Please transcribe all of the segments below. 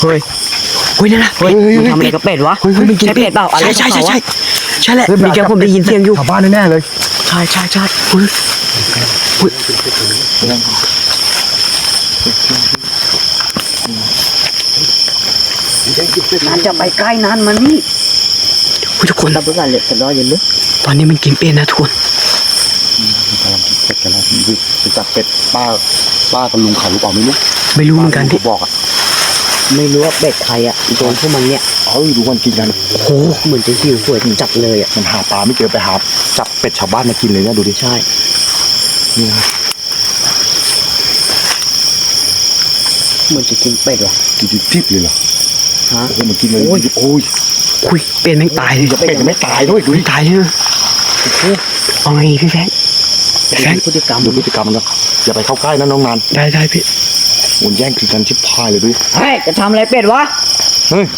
เฮ้ยนั่นนะเฮ้ยมันทำอะไรกับเป็ดวะมันกินเป็ดเปล่าอะไรใช่แหละมีแกผมได้ยินเสียงอยู่ชาวบ้านแน่ๆเลยใช่เฮ้ยน่าจะไปใกล้นั้นมันนี่ทุกคนรับรู้กันเลยแต่รออย่าลึกตอนนี้มันกินเป็ดนะทุกคนกำลังกินเป็ดกันแล้วรู้จักเป็ดป้ากับลุงเขาหรือเปล่าไม่รู้เหมือนกันพี่บอกอ่ะไม่รู้ว่าเป็ดใครอ่ะโดนพวกมันเนี่ยดูมันกินกันโอ้เหมือนจะหิวสวยถึงจับเลยอ่ะมันหาปลาไม่เจอไปหาจับเป็ดชาวบ้านมากินเลยนะดูดิใช่นี่นะเหมือนจะกินเป็ดว่ะกินทิพย์เลยเหรอฮะมันกินเลยโอ้ยคุยเป็ดไม่ตายเลยเป็ดไม่ตายด้วยดูดิตายเลยเอาไงพี่แฟงพฤติกรรมมันนะอย่าไปเข้าใกล้นะน้องนันได้พี่มันแย่งกินกันชิบพายเลยด้วยเฮ้ยจะทำอะไรเป็ดวะเฮ้ย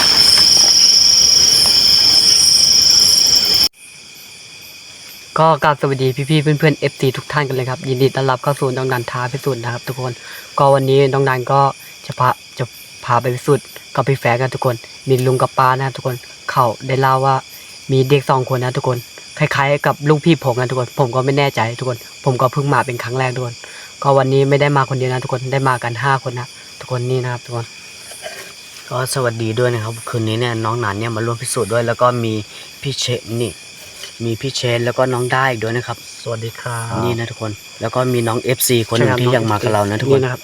ก็กราบสวัสดีพี่ๆเพื่อนๆ FC ทุกท่านกันเลยครับยินดีต้อนรับเข้าสู่น้องนันท้าพิสูจน์นะครับทุกคนก็วันนี้น้องนันก็จะพาไปพิสูจน์กับพี่แฟงกันทุกคนมีลุงกับป้านะทุกคนเขาได้เล่าว่ามีเด็ก2 คนนะทุกคนคล้ายๆกับลูกพี่ผมนะทุกคนผมก็ไม่แน่ใจทุกคนผมก็เพิ่งมาเป็นครั้งแรกทุกคนก็วันนี้ไม่ได้มาคนเดียวนะทุกคนได้มากัน5 คนนะทุกคนนี่นะครับทุกคนก็สวัสดีด้วยนะครับคืนนี้เนี่ยน้องนันเนี่ยมาร่วมพิสูจน์ด้วยแล้วก็มีพี่เชนนี่มีพี่เชนแล้วก็น้องได้อีกด้วยนะครับสวัสดีครับนี่นะทุกคนแล้วก็มีน้อง FC คนหนึ่งที่อยากมากับเรานะทุกคนนะครับ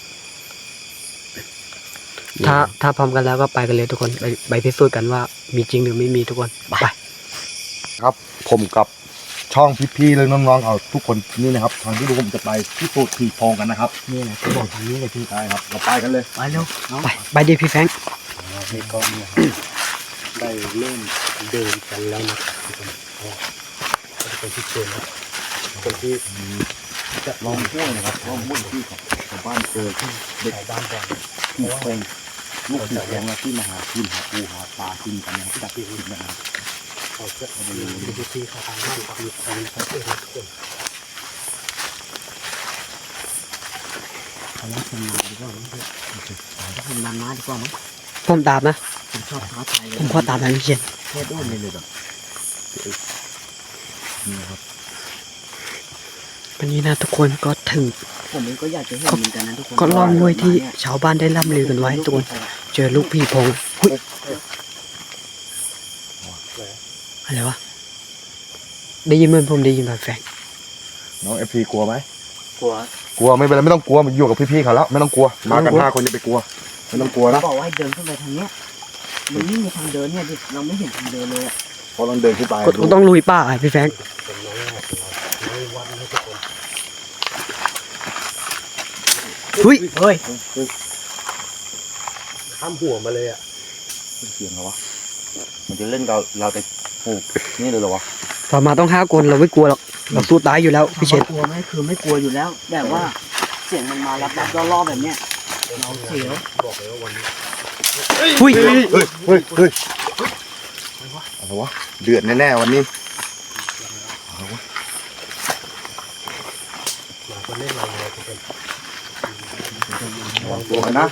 ถ้าพร้อมกันแล้วก็ไปกันเลยทุกคนไปพิสูจน์กันว่ามีจริงหรือไม่มีทุกคนไปครับผมกับช่องพี่ๆเลยน้องๆเอาทุกคนนี่นะครับทางที่ดูผมจะไปพิสูจน์ผีโพงกันนะครับนี่แหละที่บอกทางนี้เลยพี่ใช่ครับเราไปกันเลยไปเร็วไปดิพี่แฟงนี่ก็เนี่ยได้เริ่มเดินกันแล้วนะครับทุกคนเป็นที่เชิญนะคนที่จะลองห้วยนะครับลองห้วยที่ของบ้านเจอที่เด็กบ้านก่อนผีโพงลูกผีโพงที่มาหากินหาปูหาปลากินกันนะจากที่อื่นนะครับเขาจะเอาไปดูที่เขาทำบ้านกับมีคนเขาเองทุกคนเขาเล่นคนนานดีกว่ามั้งเพื่อนผมนานมาดีกว่ามั้งผมตามนะผมชอบท้าทายผมขอตามทางพี่เชนแค่ด้วนเลยแบบนี่ครับวันนี้นะทุกคนก็ถึงผมเองก็อยากจะเห็นเหมือนกันนะทุกคนก็ลองด้วยที่ชาวบ้านได้ล่ำลือกันไว้ทุกคนเจอลูกพี่พงอะไรวะได้ยินเหมือนผมได้ยินแบบแฝงน้องFPกลัวไหมกลัวไม่เป็นไรไม่ต้องกลัวมันอยู่กับพี่ๆเขาแล้วไม่ต้องกลัวมากัน5 คนอย่าไปกลัวไม่ต้องกลัวนะบอกว่าให้เดินขึ้นไปทางเนี้ยมันไม่มีทางเดินเนี่ยดิเราไม่เห็นทางเดินเลยอ่ะพอเราเดินขึ้นไปก็ต้องลุยป่าพี่แฟงเฮ้ยข้ามหัวมาเลยอ่ะเสียงเหรอวะมันจะเล่นเราแต่โอ้นี่เลยเหรอวะพอมาต้อง5 คนเราไม่กลัวหรอกเราสู้ตายอยู่แล้วพี่เชนกลัวไหมคือไม่กลัวอยู่แล้วแต่ว่าเสียงมันมารับล่อแบบเนี้ยเราเสียวบอกเลยว่าวันนี้เฮ้ยอะไรวะเดือดแน่ๆวันนี้มาคนเล่นเราเลยเป็นตัวนะ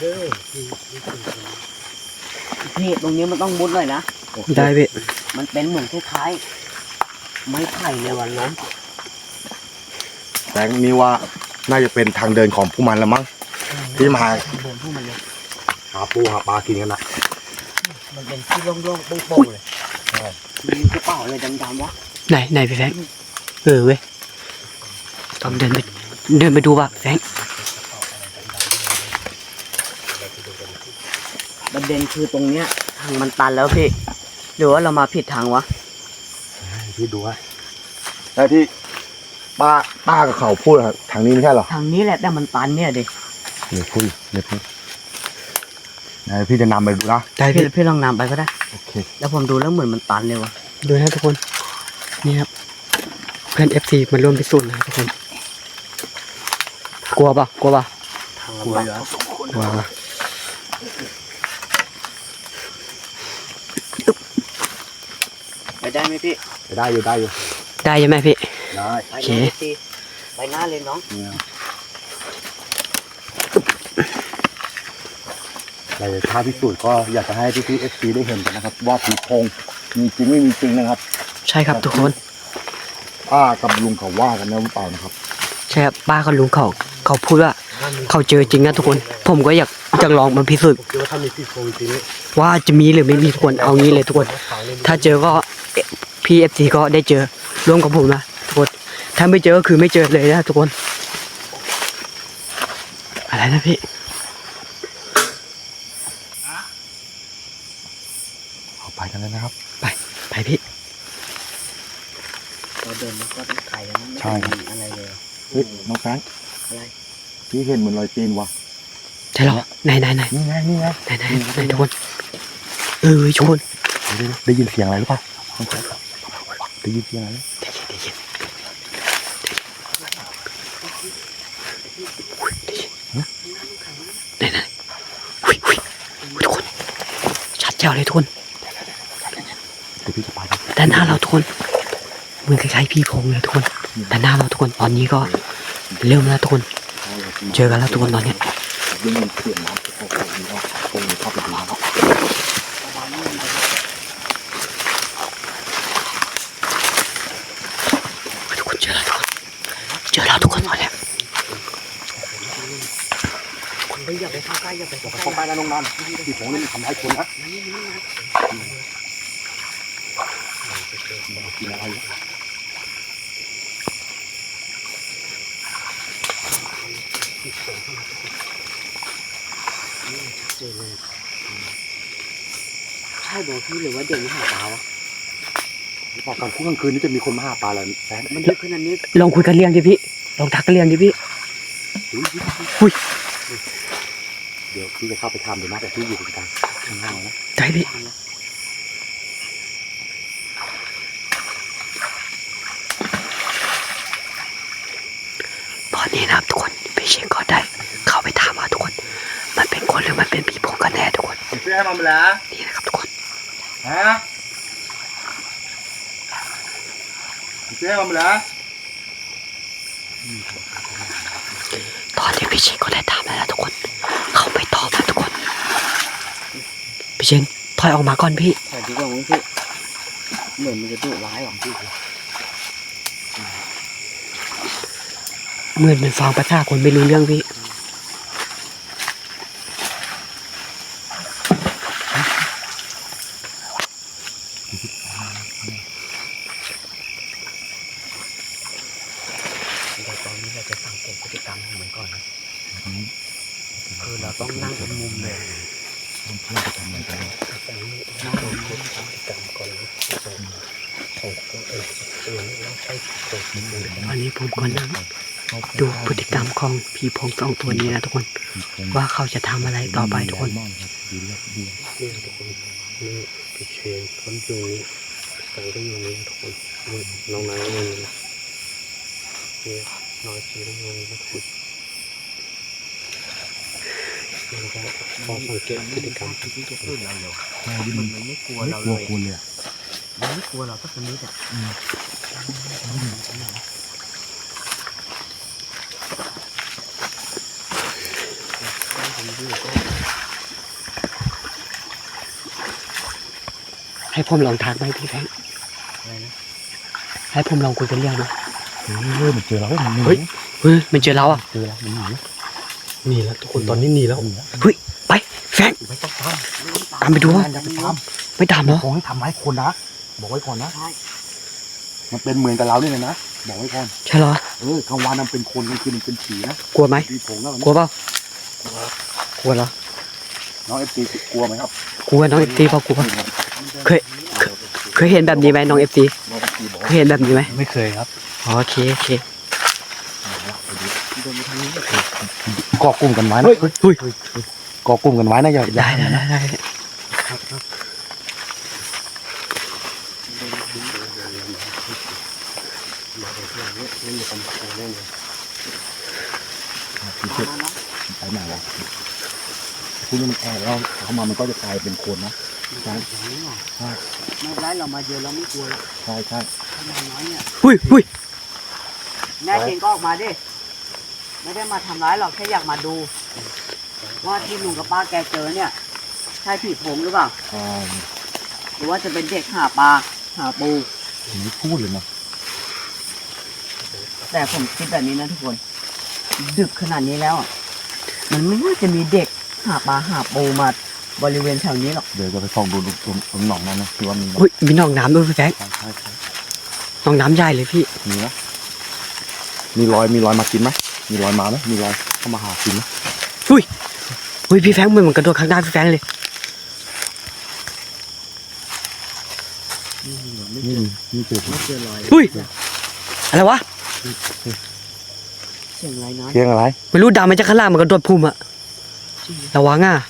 พี่ตรงนี้มันต้องมุดหน่อยนะได้พี่มันเป็นเหมือนคล้ายๆไม้ไผ่ในวันนั้นแต่นี่ว่าน่าจะเป็นทางเดินของผู้มันละมั้งที่มาเดินพวกมันเลยหาปูหาปลากินกันนะมันเป็นที่โล่งๆโป่งๆเลยมีกระเป๋าอะไรดำๆวะไหนพี่แฟงเว้ยต้องเดินไปดูป่ะแฟงประเด็นคือตรงเนี้ยทางมันตันแล้วพี่หรือว่าเรามาผิดทางวะพี่ดูว่าแต่ที่ป้ากับเขาพูดทางนี้ไม่ใช่หรอทางนี้แหละแต่มันตันเนี่ยดิเดี๋ยวพูดพี่จะนำไปดูนะได้พี่ลองนำไปก็ได้โอเคแล้วผมดูแล้วเหมือนมันตันเลยวะดูนะทุกคนนี่ครับเพื่อน FC มาร่วมพิสูจน์นะทุกคนกลัวป่ะกลัวไปได้ไหมพี่ได้อยู่ได้ใช่ไหมพี่ได้โอเคไปหน้าเลยน้องในท้าพิสูจน์ก็อยากจะให้พี่ๆ FC ได้เห็นกันนะครับ ว่าผีโพงมีจริงไม่มีจริงนะครับใช่ครับทุกคนป้ากับลุงเขาว่ากันนะหรือเปล่านะครับใช่ครับป้ากับลุงเขาพูดว่าเขาเจอจริงนะทุกคน ผมก็อยากจะลองมาพิสูจน์คิดว่าถ้ามีผีโพงจริงนี่ว่าจะมีหรือไม่มีทุกคนเอางี้เลยทุกคน ถ้าเจอก็พี่เอฟซีก็ได้เจอร่วมกับผมนะทุกคนถ้าไม่เจอก็คือไม่เจอเลยนะทุกคนอะไรนะพี่เอาไปกันเลยนะครับไปพี่เราเดินมันก็ต้องไกลแล้วนะไม่ใช่ครับมีอะไรเลยเฮ้ยน้องแฟรงค์อะไรพี่เห็นเหมือนรอยตีนวะใช่เหรอไหนนี่ไงนี่ไงทุกคนทุกคนได้ยินเสียงอะไรหรือเปล่าน้องแฟรงค์ได้ยินเสียงอะไรได้ยินไหนหุยทุกคนชัดเจ๋วเลยทุกคนเดี๋ยวพี่จะไปด้านหน้าเราทุกคนเหมือนคล้ายๆพี่พงเลยทุกคนด้านหน้าเราทุกคนตอนนี้ก็เริ่มแล้วทุกคนเจอกันแล้วทุกคนตอนนี้ได้ยินเสียงน้ำโอ้โหนี่ก็คงเข้าไปดูนะครับทุกคนเจอแล้วทุกคนเจอแล้วทุกคนตอนนี้คนไปอย่าไปเข้าใกล้อย่าไปเข้าใกล้เข้าไปนะน้องนันผีโพงนี่มันทำร้ายคนนะกินอะไรเจอเลยใช่บอกพี่หรือว่าเด็กมันหาปลาวะบอกก่อนคุกกลางคืนนี่จะมีคนมาหาปลาอะไรแฟนมันเยอะขนาดนี้ลองคุยกันเรียงดิพี่ลองทักกันเรียงดิพี่อุ้ยเดี๋ยวพี่จะเข้าไปทำเดี๋ยวนะแต่พี่อยู่ตรงกลางข้างล่างนะได้พี่ตอนนี้นะครับทุกคนพี่เชงก็ได้เข้าไปถามว่าทุกคนมันเป็นคนหรือมันเป็นผีโพงกันแน่ทุกคนเชื่อให้มันแล้วนี่นะครับทุกคนฮะเชื่อให้มันแล้วตอนนี้พี่เชงก็ได้ถามแล้วนะทุกคนเขาไม่ตอบนะทุกคนพี่เชงถอยออกมาก่อนพี่ถ่ายดีกว่ามั้งพี่เหมือนมันจะดุร้ายหรอพี่เหมือนมันฟังภาษาคนไม่รู้เรื่องพี่ตอนนี้เราจะสังเกตพฤติกรรมของมันก่อนนะคือเราต้องนั่งเป็นมุมเลยมันเพื่อนจะทำอะไรกันนั่งบนพฤติกรรมก่อนนะของตัวเองเราใช้ตัวจริงเลยตอนนี้ผมก็นั่งดูพฤติกรรมของผีโพงสองตัวนี้นะทุกคนว่าเขาจะทำอะไรต่อไปทุกคนดูเลือดดูนี่ทุกคนนี่พี่เชนคนอยู่นี่สังก็อยู่นี่ทุกคนนี่น้องนายก็อยู่นี่นี่น้องชีก็อยู่นี่ทุกคนแล้วก็พอสังเกตพฤติกรรมที่จะพูดเราอยู่มันไม่กลัวเราเลยคนเลยมันไม่กลัวเราสักนิดอ่ะให้ผมลองทักไหมพี่แฟงให้ผมลองคุยกันเรื่องไหมมันเจอเราแล้วมันเฮ้ยมันเจอเราอ่ะเจอแล้วมันหนีหนีแล้วทุกคนตอนนี้หนีแล้วเฮ้ยไปแฟงไม่ต้องตามตามไปดูว่าอย่าไปตามไม่ตามเหรอขอให้ทำร้ายคนนะบอกไว้ก่อนนะมันเป็นเหมือนกับเราเนี่ยนะบอกไว้ก่อนใช่เหรอกลางวันมันเป็นคนกลางคืนมันเป็นผีนะกลัวไหมผีโพงแล้วกลัวเปล่ากลัวเหรอน้องเอฟซีกลัวไหมครับกลัวน้องเอฟซีเปล่ากลัวเคยเห็นแบบนี้ไหมน้องเอฟซีน้องเอฟซีบอกเคยเห็นแบบนี้ไหมไม่เคยครับโอเคก่อกลุ่มกันไว้นะเฮ้ยก่อกลุ่มกันไว้นะอย่าได้ไปไหนวะคุณมันแอบแล้วเข้ามามันก็จะกลายเป็นคนนะใช่ไม่เป็นไรเรามาเยอะเราไม่กลัวหรอกใช่ใช่ถ้าน้อยเนี่ยหุ้ยแน่จริงก็ออกมาดิไม่ได้มาทำร้ายหรอกแค่อยากมาดู ว่าที่ลุงกับป้าแกเจอเนี่ยใช่ผีโพงหรือเปล่าอ่าหรือว่าจะเป็นเด็กหาปลาหาปูผมไม่พูดเลยนะแต่ผมคิดแบบนี้นะทุกคน ดึกขนาดนี้แล้วอะมันไม่น่าจะมีเด็กหาปลาหาปูมาบริเวณแถวนี้หรอกเดี๋ยวจะไปส่องดูตรงหนองนั้นนะที่ว่ามีอุ้ยมีหนองน้ำด้วยพี่แฟงใช่ใช่ใช่หนองน้ำใหญ่เลยพี่มีนะมีรอยมากินไหมมีรอยมาไหมมีรอยเข้ามาหากินไหมอุ้ยพี่แฟงเหมือนกระโดดข้างหน้าพี่แฟงเลยนี่เจอไม่เจอรอยอุ้ยอะไรวะเสียงอะไรนะเพียงอะไรไม่รู้ดาวมันจะข้างล่างมันกระโดดพุ่มอะระวังอ่ะ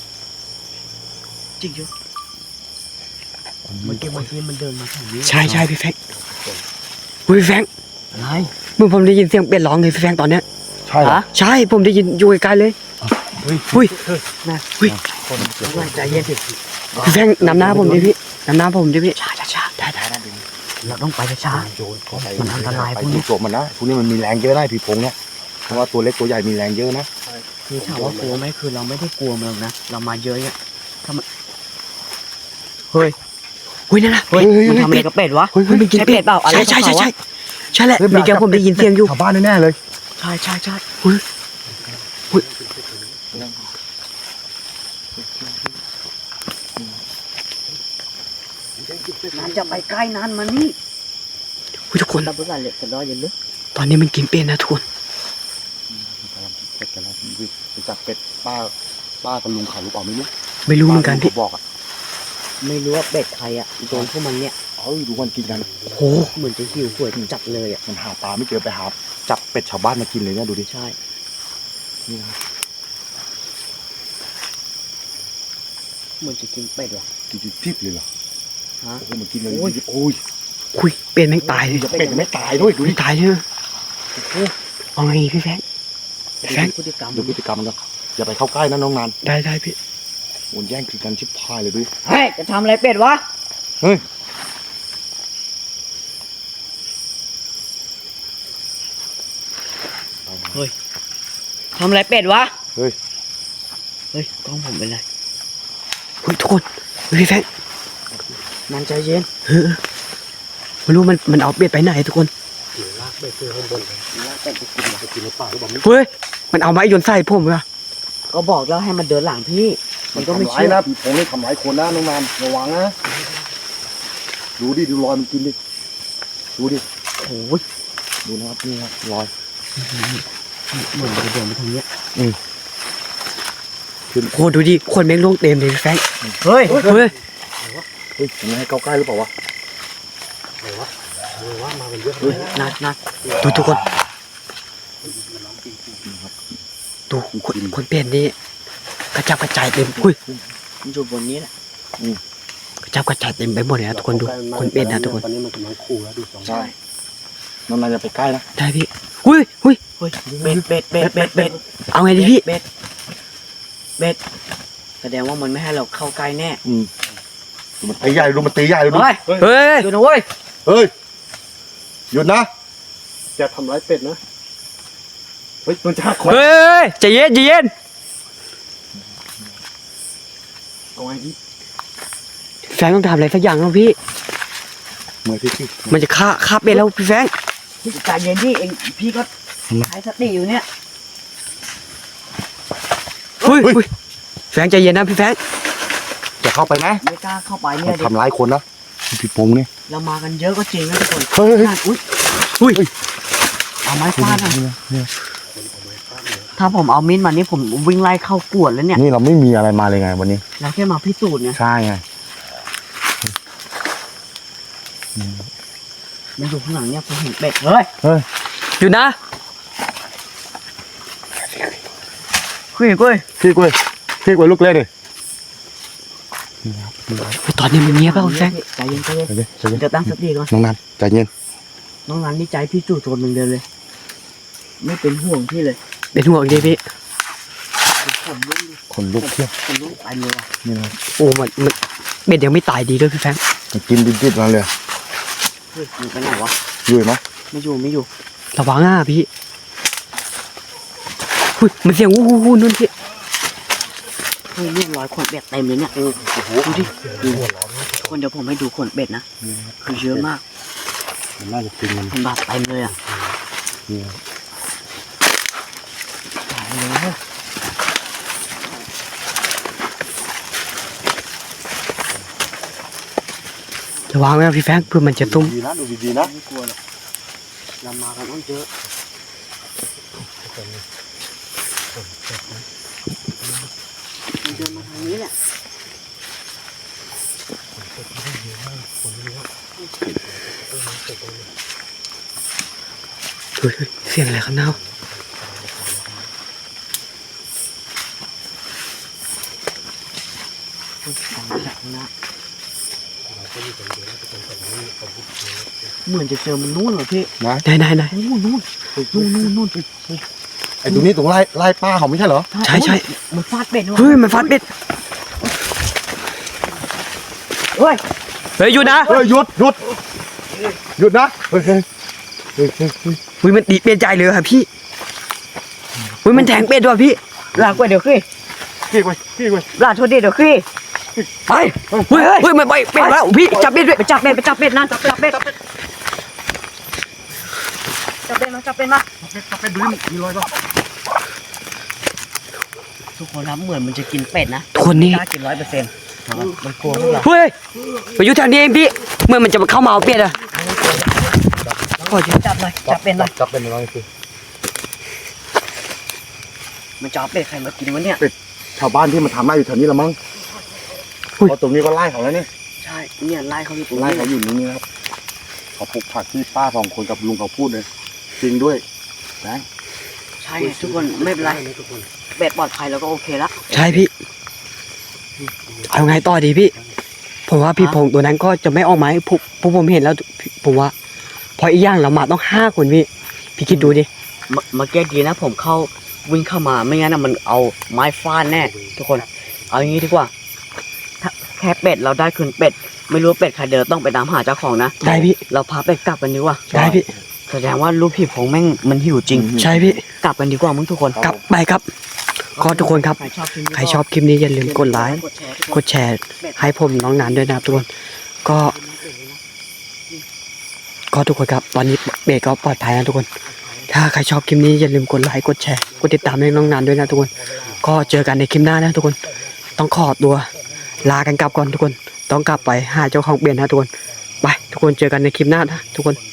จริงอยู่เมื่อกี้มันเดินมาแถวนี้ใช่ใช่พี่แฟงอุ้ยพี่แฟงอะไรเมื่อผมได้ยินเสียงเป็ดร้องเลยพี่แฟงตอนเนี้ยใช่เหรอฮะใช่ผมได้ยินอยู่ไกลๆเลย อุ้ยนะอุ้ยใจเย็นสิพี่แฟงนำหน้าผมดิพี่นำหน้าผมดิพี่ช้าได้เราต้องไปช้า มันอันตรายไปพวกนี้ดูกบมันนะพวกนี้มันมีแรงเยอะนะผีโพงเนี่ยเพราะว่าตัวเล็กตัวใหญ่มีแรงเยอะนะคือถามว่ากลัวไหมคือเราไม่ได้กลัวมันหรอกนะเรามาเยอะเนี่ยถ้ามันเฮ้ยอุ้ยนั่นน่ะเฮ้ยมันทำอะไรกับเป็ดวะเฮ้ยมันกินใช่เป็เป็ดดเปล่าอะไรใช่ใช่ของเขาใช่วะใช่แหละมีแกผมได้ยินเสียงอยู่ชาวบ้านแน่ๆเลยใช่ นานจะไปใกล้นานมานี่อุ้ยทุกคนรับประกันเลยกันร้อยอย่าลึกตอนนี้มันกินเป็ดนะทุกคนเป็ดกันแล้วไปจับเป็ดป้ากับลุงขายหรือเปล่าไม่รู้ไม่รู้เหมือนกันพี่บอกอ่ะไม่รู้ว่าเป็ดใครอ่ะโดนพวกมันเนี่ยดูมันกินกันโหเหมือนจะหิวโหวยจัดเลยอ่ะมันหาปลาไม่เจอไปหาจับเป็ดชาวบ้านมากินเลยเนี่ยดูดิใช่นี่นะเหมือนจะกินเป็ดว่ะกินดิบเลยเหรอฮะโอ้โหมันกินเลยโอ้ยโอ้ยคุยเป็ดแม่งตายเลยเป็ดยังไม่ตายด้วยดูดิไม่ตายเลยเอาไงพี่แฟง แฟรงค์พฤติกรรมดูพฤติกรรมมันก็อย่าไปเข้าใกล้นะน้องนานได้พี่มันแย่งกินกันชิบพายเลยดูดิเฮ้ยจะทำอะไรเป็ดวะเฮ้ยทำอะไรเป็ดวะเฮ้ยเฮ้ยกล้องผมเป็นไรเฮ้ยทุกคนพี่แฟงนานใจเย็นไม่รู้มันเอาเป็ดไปไหนทุกคนลากไปเพื่อข้างบนเลยลากเป็ดไปกินไปกินในป่าหรือเปล่าไม่เฮ้ยมันเอาไม้โยนใส่ผมเหรอก็บอกแล้วให้มันเดินหลังพี่ มันก็ไม่ทำร้ายเชื่อนะผีโพงนี่ทำร้ายคนนะน้องนานระวังนะดูดิดูรอยมันกินดิดูดิโอ้ยดูนะครับนี่ครับรอยเหมือนจะเดินไปทางเนี้ยโหดูดิคนแม่งโล่งเต็มเลยพี่แฟงเฮ้ยเฮ้ยเฮ้ยยังไงให้เข้าใกล้หรือเปล่าวะไหนวะว่ามากันเยอะเฮ้ยนัดดูทุกคนดูคนเป็ดนี่กระจับกระจายเต็มอุ้ยมันอยู่บนนี้แหละกระจับกระจายเต็มไปหมดเลยนะทุกคนดูคนเป็ดนะทุกคนตอนนี้มันกำลังขู่แล้วดูสองใช่น้องนานอย่าไปใกล้นะได้พี่อุ้ยเฮ้ยเป็ดเอาไงดีพี่เป็ดแสดงว่ามันไม่ให้เราเข้าใกล้แน่ดูมันตีใหญ่ดูมันตีใหญ่ดูเฮ้ยเฮ้ยดูนะเว้ยเฮ้ยหยุดนะจะทำร้ายเป็ดนะเฮ้ยมันจะหักคอเฮ้ยใจเย็นใจเย็นเอาไงดิแฟงต้องทำอะไรสักอย่างแล้วพี่เมื่อที่มันจะฆ่าเป็ดแล้วพี่แฟงใจเย็นดิเองพี่ก็ใช้สติอยู่เนี่ยเฮ้ยแฟงใจเย็นนะพี่แฟงจะเข้าไปไหมไม่กล้าเข้าไปเนี่มัยนดิทำร้ายคนนะพี่โป้งนี่เรามากันเยอะก็จริงนะทุกคนเฮ้ยอุ้ยอุ้ยเอาไม้ฟาดนะถ้าผมเอามิ้นท์มานี่ผมวิ่งไล่เข้ากวดแล้วเนี่ยนี่เราไม่มีอะไรมาเลยไงวันนี้เราแค่มาพิสูจน์ไงใช่ไงมันอยู่ข้างหลังเนี่ยผมเห็นเป็ดเฮ้ยหยุดนะคุยกุ้ยพี่กล้วยลูกเล่ดิตอนนี้มันเงียบแล้วพี่แฟงใจเย็นใจเย็นใจเย็นเดี๋ยวตั้งสติก่อนน้องนันใจเย็นน้องรันนี่ใจพี่จู่โจมหนึ่งเดียวเลย ไม่เป็นห่วงพี่เลยเป็นห่วงดิพี่ผมรุ่นคนลุกเที่ยวผมรุ่นไปเลยว่ะนี่นะโอ้มันเป็ดยังไม่ตายดีด้วยพี่แฟงมันกินดิบๆมาเลยเฮ้ยมันไปไหนวะอยู่ไหมไม่อยู่ระวังอ่ะพี่อุ้ยมันเสียงวู้นู่นพี่เฮ้ฮ้ยนี่รอยขนเป็ดเต็มเลยเนี่ยดูดิทุกคนเดี๋ยวผมให้ดูขนเป็ดนะคือเยอะมากมันน่าจะกินมันมันแบบเต็มเลยอ่ะนี่ตายเลยจะวางไว้นะพี่แฟงเพื่อมันจะตุ้มดีนะดูดีๆนะไม่กลัวหรอกเรามากันต้องเยอะมันเดินมาทางนี้แหละดูเสียงอะไรข้างหน้าฟังจากข้างหน้าเหมือนจะเจอมันนู่นเหรอพี่นะไหนนู่นไอ้ตรงนี้ตรงไล่ป้าเขาไม่ใช่เหรอใช่มันฟาดเป็ดว่ะเฮ้ยมันฟัดเบ็ดเฮ้ยเฮ้ยหยุดนะเฮ้ยหยุดนะเฮ้ยเฮ้ยมันดีเปลี่ยนใจเลยครับพี่เฮ้ยมันแทงเป็ดด้วยพี่ลากไปเดี๋ยวขี้พี่ไว้ลากโทษดีเดี๋ยวขี้ไปเฮ้ยมันไปเป็ดแล้วพี่จับเป็ดด้วยไปจับเป็ดนั่นจับเป็ดมาจับเป็ดมาไปดูนี่มีรอยป่ะทุกคนครับเหมือนมันจะกินเป็ดนะคนนี้กล้ากิน100%มันกลัวพวกเราเฮ้ยไปอยู่แถวนี้เองพี่เมื่อมันจะมาเข้ามาเอาเป็ดอะขอจับหน่อยจับเป็ดหน่อยจับเป็นรอยสิมันจะเอาเป็ดใครมากินวะเนี่ยชาวบ้านที่มาทำไร่อยู่แถวนี้ละมั้งเพราะตรงนี้ก็ไล่เขาแล้วนี่ใช่เนี่ยไล่เขาอยู่ตรงไล่นี้เขาอยู่นี่นะครับเขาปลูกผักที่ป้า2 คนกับลุงเขาพูดเลยจริงด้วยนะใช่ทุกคนไม่เป็นไรเป็ดปลอดภัยแล้วก็โอเคละใช่พี่เอาไงต่อดีพี่ผมว่าพี่พงษ์ตัวนั้นก็จะไม่ออกมาให้พวกผมเห็นแล้วผมว่าพออีกอย่างเรามาต้อง5 คนพี่คิดดูดิเมื่อกี้ดีนะผมเข้าวิ่งเข้ามาไม่งั้นนะมันเอาไม้ฟาดแน่ทุกคนเอาอย่างนี้ดีกว่าถ้าแค่เป็ดเราได้คืนเป็ดไม่รู้เป็ดใครเดินต้องไปตามหาเจ้าของนะได้พี่เราพาเป็ดกลับกันดีกว่าได้พี่แสดงว่าลูกพี่ผมแม่งมันหิวจริงใช่พี่กลับกันดีกว่ามึงทุกคนกลับไปครับก็ทุกคนครับใครชอบคลิปนี้ใครชอบคลิปนี้อย่าลืมกดไลค์กดแชร์ทุกคนกดแชร์ให้ผมน้องนานด้วยนะครับทุกคนก็ทุกคนครับตอนนี้เบรกก็ปลอดภัยนะทุกคน ถ้าใครชอบคลิปนี้อย่าลืมกดไลค์กดแชร์กดติดตามให้น้องนานด้วยนะทุกคนก็เจอกันในคลิปหน้านะทุกคนต้องขอตัวลากันกลับก่อนทุกคนต้องกลับไปหาเจ้าของเบียนนะทุกคนไปทุกคนเจอกันในคลิปหน้านะทุกคน